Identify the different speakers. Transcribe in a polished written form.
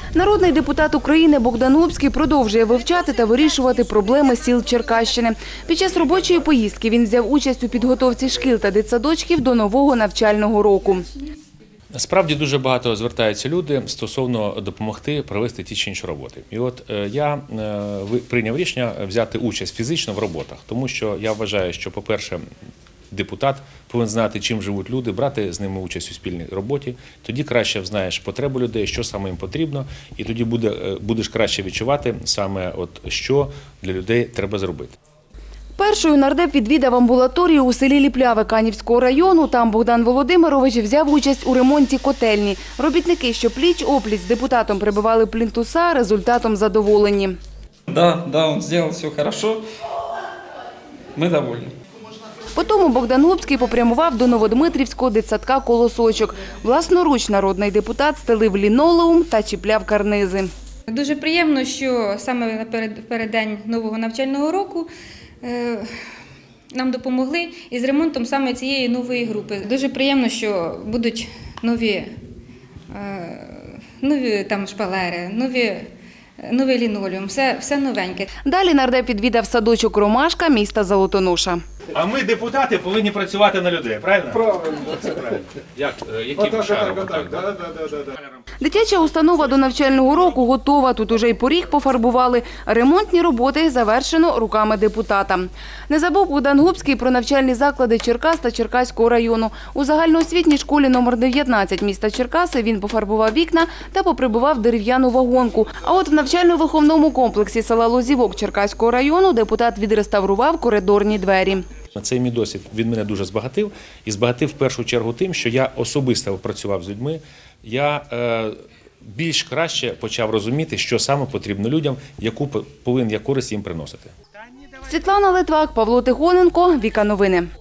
Speaker 1: Народний депутат України Богдан Губський продовжує вивчати та вирішувати проблеми сіл Черкащини. Під час робочої поїздки він взяв участь у підготовці шкіл та дитсадочків до нового навчального року.
Speaker 2: Справді дуже багато звертаються люди стосовно допомогти провести ті чи інші роботи. І от я прийняв рішення взяти участь фізично в роботах, тому що я вважаю, що, по-перше, депутат повинен знати, чим живуть люди, брати з ними участь у спільній роботі. Тоді краще знаєш потребу людей, що саме їм потрібно, і тоді будеш краще відчувати саме, що для людей треба зробити.
Speaker 1: Першою нардеп відвідав амбулаторію у селі Ліпляве Канівського району. Там Богдан Володимирович взяв участь у ремонті котельні. Робітники, що пліч-опліч з депутатом прибивали плінтуса, результатом задоволені.
Speaker 3: Да, он сделал все хорошо. Мы довольны.
Speaker 1: Потім Богдан Губський попрямував до Новодмитрівського дитсадка «Колосочок». Власноруч народний депутат стелив лінолеум та чіпляв карнизи.
Speaker 4: Дуже приємно, що саме напередодні нового навчального року нам допомогли із ремонтом саме цієї нової групи. Дуже приємно, що будуть нові там шпалери, новий лінолеум, все новеньке.
Speaker 1: Далі нардеп відвідав садочок «Ромашка» міста Золотоноша.
Speaker 2: А ми, депутати, повинні працювати на людей, правильно? Правильно. Це правильно. Яким шаром?
Speaker 1: Дитяча установа до навчального року готова. Тут уже й поріг пофарбували. Ремонтні роботи завершено руками депутата. Не забув Богдан Губський про навчальні заклади Черкас та Черкаського району. У загальноосвітній школі номер 19 міста Черкаси він пофарбував вікна та поприбував дерев'яну вагонку. А от в навчально-виховному комплексі села Лозівок Черкаського району депутат відреставрував коридорні двері.
Speaker 2: Цей мій досвід від мене дуже збагатив. І збагатив в першу чергу тим, що я особисто працював з людьми. Я більш краще почав розуміти, що саме потрібно людям, яку повинен я користь їм приносити.
Speaker 1: Світлана Литвак, Павло Тихоненко, Віка Новини.